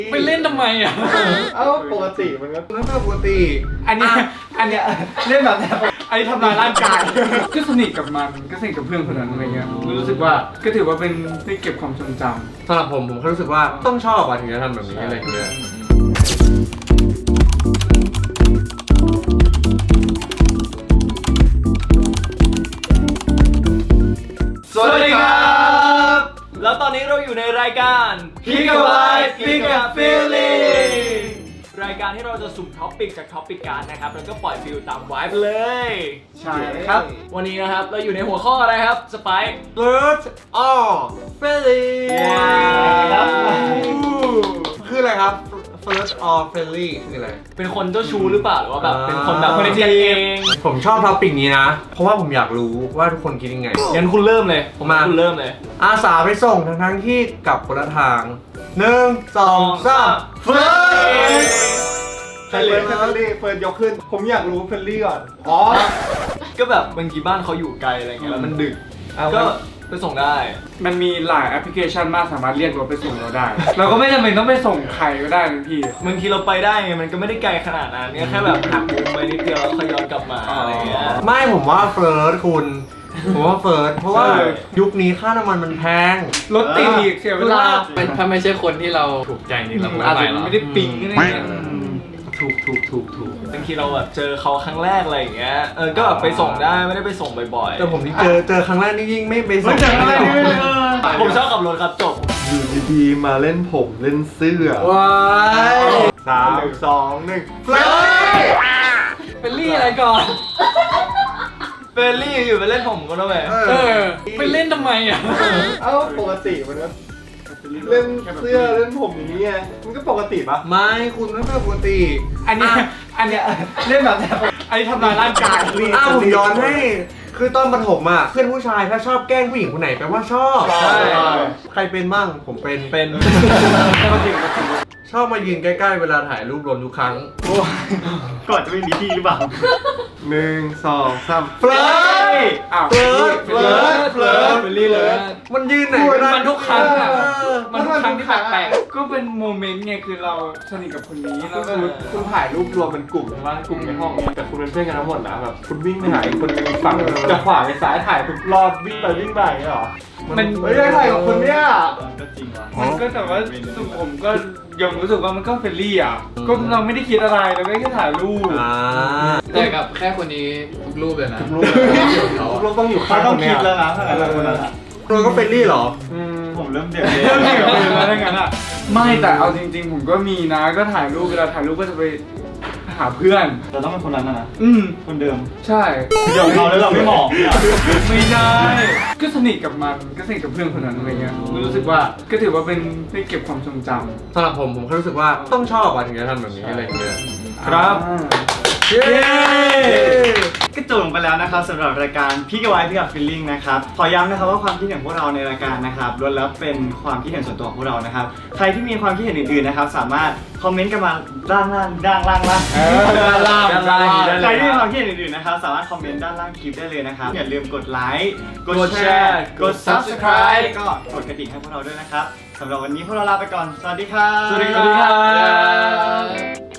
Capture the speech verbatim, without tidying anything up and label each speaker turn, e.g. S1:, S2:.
S1: ไปเล่นทำไมอ่ะ
S2: เอ้าปกติมันก็ไม่ปกติ
S1: อันนี้อันเนี้ยเล่นแบบไอ้ทำลายร่างกายก็สนิทกับมันก็สนิทกับเพื่อนคนนั้นอะไรเงี้ยรู้สึกว่าก็ถือว่าเป็นที่เก็บความทรงจำ
S2: สำหรับผมผมแค่รู้สึกว่าต้องชอบอะถึงจะทำแบบนี้อะไรอย่างเงี้ย
S3: สวัสดีครับแล้วตอนนี้เราอยู่ในรายการ Pick a Vibe Pick a Feeling รายการที่เราจะสุ่มท็อปปิกจากท็อปปิกการนะครับแล้วก็ปล่อยฟิลตามไวบ์เลย
S1: ใช่ครับ
S3: วันนี้นะครับเราอยู่ในหัวข้ออะไรครับสไปค์
S2: First or Friendly คืออะไรครับ First or Friendly คืออะไร
S3: เป็นคนเจ้าชู้หรือเปล่าหรือว่าแบบเป็นคนแบบคนเจียเอง
S2: ผมชอบท็อปปิกนี้นะเพราะว่าผมอยากรู้ว่าทุกคนคิดยังไง
S3: งั้นคุณเริ่มเลยผมมาคุณเริ่มเลย
S2: อาสาไปส่งทั้งทั้งที่กลับคนละทางหนึ่งสองสามเฟิร์ส
S4: เฟิร์สเฟลลี่เฟิร์สยกขึ้นผมอยากรู้เฟลลี่ก่อนอ๋อ
S3: ก็แบบบางทีบ้านเขาอยู่ไกลอะไรเงี้ยแล้วมันดึกก็ไปส่งได้
S1: มันมีหลายแอปพลิเคชันมากสามารถเรียกรถไปส่งเราได้เราก็ไม่จำเป็นต้องไปส่งใครก็ได้นะพี่
S3: บางทีเราไปได้ไงมันก็ไม่ได้ไกลขนาดนั้นเนี่ยแค่แบบหักมุมไปนิดเดียวแล้วค่อยย้อนกลับมาอะไรเงี้ย
S2: ไม่ผมว่าเฟิร์สคุณผมว่าเฟิร์สเพราะว่ายุคนี้ค่าน้ำมันมันแพง
S1: รถติดอีกเสียเวลา
S5: ถ้าไม่ใช่คนที่เราถูกใจนี่เรา
S1: อาจจะไม่ได้ปิ๊งอะไรเงี้ย
S3: ถูกถูกถูกถูกบางทีเราแบบเจอเขาครั้งแรกอะไรอย่างเงี้ยเออก็แบบไปส่งได้ไม่ได้ไปส่งบ่อยๆ
S2: แต่ผมนี่เจอเจอครั้งแรกนี่ยิ่งไม่ไปส่ง
S3: ผมชอบขับรถครับจบ
S4: อยู่ดีๆมาเล่นผมเล่นเสื้อ
S2: ว้าย
S4: สามสองหนึ่งเฟล
S1: เฟลลี่อะไรก่อน
S3: เฟลลี่อยู่ไปเล่นผมก็ได้ไหม
S1: เออไปเล่นทำไมอ่ะ
S4: เอ้าปกติมันก็เล่นเสื้อเล่นผมอย่างนี้ไงมันก็ปกติปะ
S2: ไม่คุณไม่ปกติ
S1: อันนี้อันเนี้ยเล่นแบบไอ้ทำลายร่างกาย
S2: อ้าวผมย้อนให้คือตอนประถมอ่ะเพื่อนผู้ชายถ้าชอบแกล้งผู้หญิงคนไหนแปลว่าชอบ
S3: ใช่
S2: ใครเป็นบ้างผมเป็น
S3: เป็น
S2: ชอบมายืนใกล้ๆเวลาถ่ายรูปรวมทุกครั้ง
S4: ก่อนจะไม่มีที่หรือเปล่าหนึ่งสองสาม
S2: เฟลย์
S1: เฟิร์สเฟิร์สเฟิร์สเฟลลี่เลย
S2: มันยืนไหน
S1: มันทุกครั้งอ่ะมันทุกครั้งที่แปลกๆก็เป็นโมเมนต์ไงคือเราสนิทกับคนนี้แล้ว
S4: คุณถ่ายรูปรวมเป็นกลุ่มใช่ไหมกลุ่มในห้องแต่คุณเป็นเพื่อนกันทั้งหมดนะแบบคุณวิ่งไปหาอีกคนนึงฝั่งจะขวาไปซ้ายถ่ายทุกรอบวิ่งไปวิ่งไปเหรอ
S1: มัน
S4: ไม่ได้ถ่ายกับคนเนี้ย
S3: ก็จริงว่ะ
S1: มันก็แต่ว่าสุผมก็ยังรู้สึกว่ามันก็เฟรนลี่อ่ะก็เราไม่ได้คิดอะไรเราแค่ถ่ายรูป
S5: แต่กับแค่คนนี้ทุกรูปเลยนะทุกรูป
S4: ทุกรูปต้องอยู่ข้างต้องคิดแล้วนะถ้าอะไรคนนั้นอ่ะ
S2: เราก็เฟรนลี่หรอ
S4: ผมเริ่มเดือด
S1: เริ่มเดือดเลยแล้วงั้นอ่ะไม่แต่เอาจริงๆผมก็มีนะก็ถ่ายรูปเวลาถ่ายรูปก็จะไปหาเพื่อน
S4: เราต้องเป็นคนนั้นนะ
S1: อืม
S4: คนเดิม
S1: ใช่
S4: เดี๋ยวเราแล้วเราไม่มอง
S1: ไม่ได้ก็สนิทกับมันก็สนิทกับเพื่อนคนนั้นอะไรเงี้ยรู้สึกว่าก็ถือว่าเป็นได้เก็บความทรงจำ
S2: สำหรับผมผมแค่รู้สึกว่าต้องชอบอะถึงจะทำแบบนี้อะไรเงี้ย
S1: ครับ
S4: เย้ก็จบลงไปแล้วนะครับสำหรับรายการพี่กับไวพี่กับฟีลลิ่งนะครับขอย้ำนะครับว่าความคิดเห็นของพวกเราในรายการนะครับล้วนแล้วเป็นความคิดเห็นส่วนตัวของพวกเรานะครับใครที่มีความคิดเห็นอื่นๆนะครับสามารถคอมเมนต์กันมาด้านล่างด้านล่างล่าง
S1: ด้านล่างด้านล่าง
S4: ใครที่มีความคิดเห็นอื่นๆนะครับสามารถคอมเมนต์ด้านล่างคลิปได้เลยนะครับอย่าลืมกดไลค์กดแชร์กด ซับสไครบ์ ก็กดกระดิ่งให้พวกเราด้วยนะครับสำหรับวันนี้พวกเราลาไปก่อนสวัสดีครับ
S1: สวัสดีครับ